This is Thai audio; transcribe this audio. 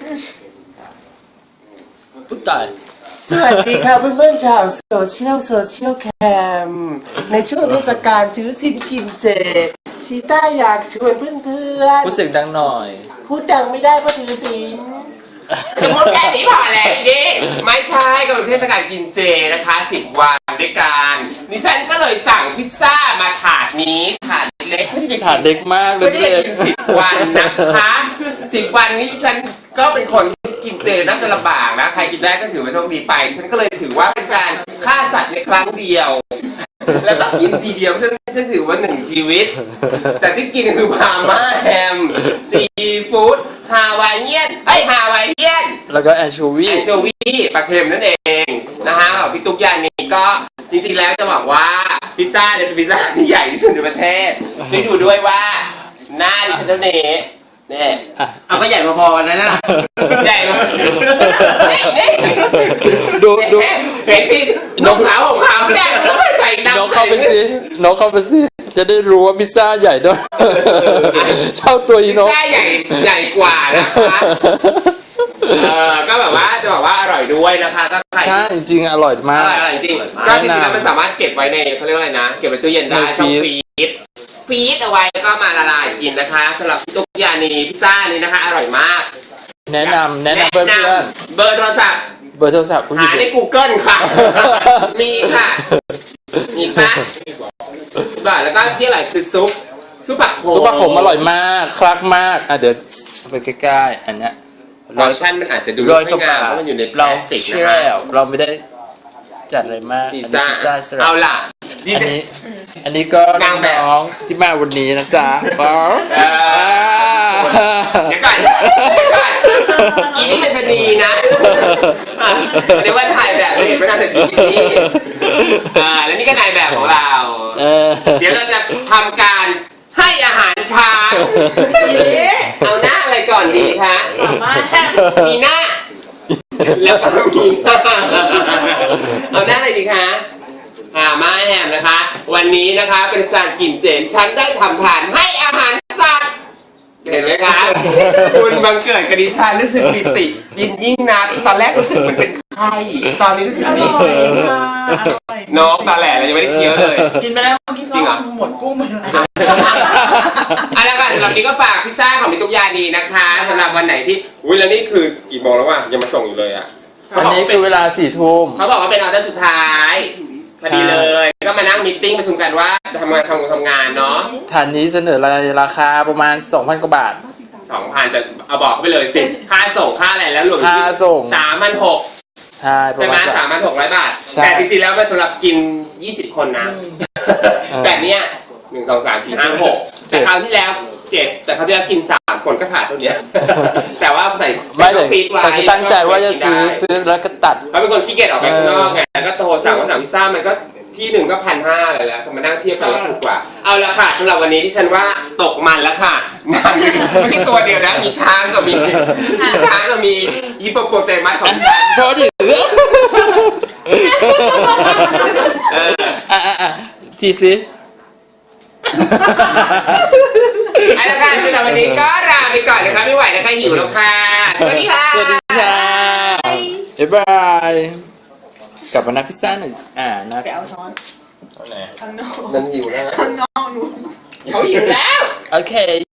พุตายสวัสดีค่ะเพื่อนๆชาวโซเชียลแคมในช่วงเทศกาลถือศีลกินเจชีต้าอยากชวนเพื่อนๆพูดเสียงดังหน่อยพูดดังไม่ได้เพราะถือศีลสมมติแค่นี้พอแหละนี่ไม่ใช่ก็เป็นเทศกาลกินเจนะคะ10 วันด้วยกันดิฉันก็เลยสั่งพิซซ่ามาถาดนี้ถาดเล็กไม่ได้ถาดเล็กมากเลยไม่ได้กิน10 วันนะคะ10 วันนี้ดิฉันก็เป็นคนที่กินเจน่าจะลำบากนะใครกินได้ก็ถือว่าโชคดีไปฉันก็เลยถือว่าเป็นการฆ่าสัตว์ในครั้งเดียวแล้วก็กินทีเดียวฉันถือว่า1 ชีวิตแต่ที่กินคือพาม่าแฮมซีฟู้ดฮาวายเนียนแล้วก็แอนโชวีปลาเค็มนั่นเองนะฮะของพี่ตุ๊กยานีก็จริงๆแล้วจะบอกว่าพิซซ่าเนี่ยเป็นพิซซ่าที่ใหญ่ที่สุดในประเทศช่วยดูด้วยว่าหน้าดิฉันเท่านี้เนี่ยเอาก็ใหญ่พอๆกันนะใหญ่มากดูเห็นที่นกขาวของขาวไม่ได้ต้องใส่น้ำนกเข้าไปสิจะได้รู้ว่าพิซซ่าใหญ่ด้วยเท่าตัวอีนกพิซซ่าใหญ่กว่านะคะก็แบบว่าจะบอกว่าอร่อยด้วยนะคะถ้าใครใช่จริงๆอร่อยมากอร่อยจริงก็จริงๆแล้วมันสามารถเก็บไว้ในเขาเรียกว่าอะไรนะเก็บไว้ตู้เย็นได้ช่องฟีดเอาไว้ก็มาละลายกินนะคะสำหรับตุ๊กยานีพิซซ่านี้นะคะอร่อยมากแนะนำเพื่อนเบอร์โทรศัพท์หาใน Google ค่ะมีค่ะมีค่ะแล้วก็ที่อร่อยคือซุปผักโขมอร่อยมากคลักมากเดี๋ยวไปใกล้ๆอันเนี้ยรสชั่นมันอาจจะดูไม่งามเพราะมันอยู่ในพลาสติกนะเราไม่ได้จัดอะไรมากพิซซ่าเอาล่ะอันนี้ก็น้องที่มาวันนี้นะจ๊ะเดี๋ยวก่อนอีนี่มันชนีนะเดี๋ยวว่าถ่ายแบบเห็นไม่น่าจะดีนี่แล้วนี่ก็นายแบบของเราเดี๋ยวเราจะทำการให้อาหารช้างเอาหน้าอะไรก่อนดีคะมีหน้าแล้วก็มีหน้าเอาหน้าอะไรดีคะมาแฮมนะคะวันนี้นะคะเป็นการกินเจฉันได้ทำทานให้อาหารสัตว์เห็นไหมคะคุณบังเกิดกับดิฉันรู้สึกปิติยิ่งนักตอนแรกรู้สึกมันเป็นไข้ตอนนี้รู้สึกดีน้องตาแหล่เรายังไม่ได้เคี้ยวเลยกินไปแล้วกินซอหมดกุ้งไปแล้วอะไรกันสำหรับนี้ก็ฝากพิซซ่าของพี่ตุ๊กยานีนะคะสำหรับวันไหนที่แล้วนี่คือกี่โมงแล้ววะยังมาส่งอยู่เลยอ่ะวันนี้เป็นเวลา4 ทุ่มเขาบอกว่าเป็นออเดอร์สุดท้ายพอดีเลยก็มานั่งมีตติ้งประชุมกันว่าจะทำงานเนาะฐานนี้เสนอราคาประมาณ 2,000 กว่าบาท 2,000แต่เอาบอกไปเลยสิค่าส่งค่าอะไรแล้วรวมค่าส่ง 3,600 ใช่ไหม3,600 บาทแต่จริงๆแล้วมันสำหรับกิน20 คนนะแต่เนี้ย1 2 3 4 5 6แต่คราวที่แล้ว7แต่คราวที่แล้วกิน3 คนก็ขาดตัวเนี้ยแต่ว่าใส่ฟีดไว้ตั้งใจว่าจะซื้อแล้วก็ตัดเขาเป็นคนขี้เกียจออกไปข้างนอกไงก็โทรสั่งพิซซ่ามันก็ที่หนึ่งก็1,500อะไรแล้วมานั่งเทียบกันแล้วถูกกว่าเอาละค่ะสำหรับวันนี้ที่ฉันว่าตกมันแล้วค่ะนางไม่ใช่ตัวเดียวนะมีช้างก็มีฮิปโปโปเตมัสของฉันพอดิทีสิเอาละค่ะสำหรับวันนี้ก็ลาไปก่อนนะคะไม่ไหวนะคะหิวแล้วค่ะสวัสดีค่ะบ๊ายบายกลับมานับพิซซ่าหนึ่งนะไปเอาช้อนข้างนอกนั่นหิวแล้วข้างนอกอยู่เขาหิวแล้วโอเค